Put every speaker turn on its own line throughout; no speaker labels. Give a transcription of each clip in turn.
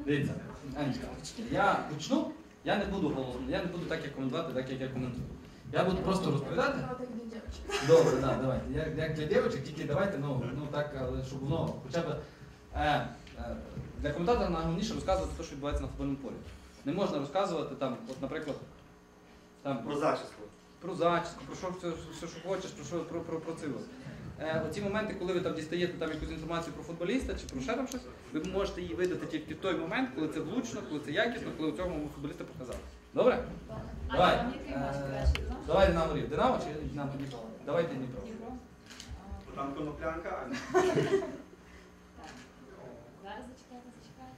Дивіться, Анечка, я почну, я не буду голосно, я не буду так як коментувати, так як я коментую. Я буду просто розповідати. Добре, так, давайте. Як для дівчат, тільки давайте, ну так, але щоб воно хоча б... Для коментатора найголовніше розказувати те, що відбувається на футбольному полі. Не можна розказувати там, от, наприклад, там...
Про зачіску.
Про зачіску, про що, все, що хочеш, про це. Оці моменти, коли ви там дістаєте там якусь інформацію про футболіста чи про ще там щось, ви можете її видати тільки в той момент, коли це влучно, коли це якісно, коли у цьому футболіста показали. Добре? Давай. Давай Динамо Рів. Динамо чи Динамо Дніпро? Давайте Дніпро.
Там коноплянка, а не...
Зараз зачекайте.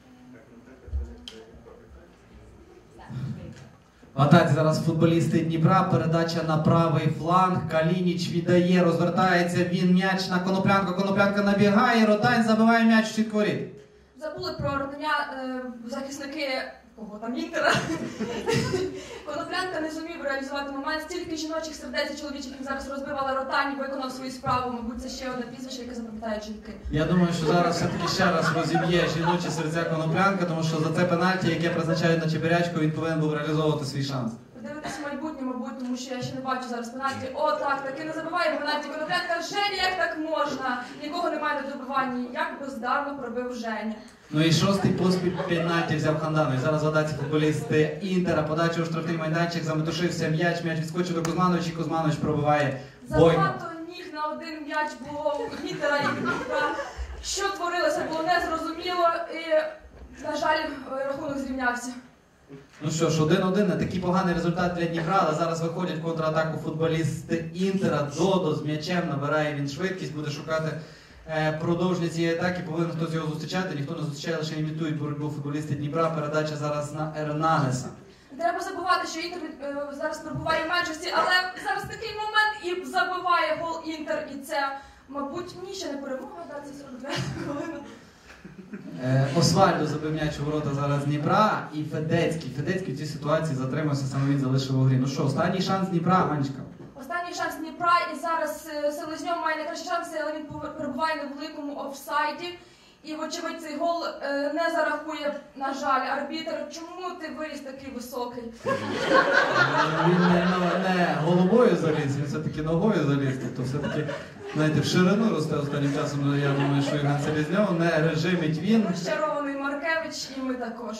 В атаці зараз футболісти Дніпра, передача на правий фланг, Калініч віддає, розвертається він, м'яч на Коноплянку, Коноплянка набігає, Ротань забиває м'яч в сітку воріт.
Забули про Ротаня захисники Інтера. Коноплянка не зумів реалізувати момент, стільки жіночих сердець і чоловічих, які зараз розбивали Ротань, виконав свою справу, мабуть, це ще одне прізвище, яке запам'ятають жінки.
Я думаю, що зараз все-таки ще раз розіб'є жіночі серця Коноплянка, тому що за це пенальті, яке призначають на Чебирячку, він повинен був реалізовувати свій шанс.
Подивитися майбутнє, мабуть, тому що я ще не бачу зараз пенальті. О, так, таки не забиває пенальті Коноплянка. Женя, як так можна? Нікого немає на добиванні. Як бездарно пробив Женя.
Ну і шостий поспіль пенальті взяв Ханданов. Зараз в атаці футболісти Інтера, подача у штрафний майданчик, заметушився м'яч відскочив до Кузмановича, і Кузманович пробиває бойно.
Забагато ніг на один м'яч було у Інтера і Дніпра. Що творилося, було незрозуміло і, на жаль, рахунок зрівнявся.
Ну що ж, 1-1, не такий поганий результат для Дніпра, але зараз виходять в контратаку футболісти Інтера. Додо з м'ячем, набирає він швидкість, буде шукати продовження цієї атаки, повинен хтось його зустрічати, ніхто не зустрічає, лише імітують боротьбу футболісти Дніпра. Передача зараз на Ернанеса.
Треба забувати, що Інтер зараз перебуває в меншості, але зараз такий момент і забиває гол Інтер, і це, мабуть, ні, ще не перемога, це 42 хвилина.
Освальдо забив м'яч у ворота зараз Дніпра і Федецький. Федецький в цій ситуації затримався, саме він залишив у грі. Ну що, останній шанс Дніпра, Анечка?
Останній шанс Дніпра, і зараз Селезньов має найкращі шанси, але він перебуває на великому офсайді. І, вочевидь, цей гол не зарахує, на жаль, арбітр. Чому ти виріс такий високий?
Він не головою заліз, він все-таки ногою заліз. Тобто все-таки, знаєте, в ширину росте останнім часом, я думаю, що Євген Селезньов не режимить він.
Розчарований Маркевич, і ми також.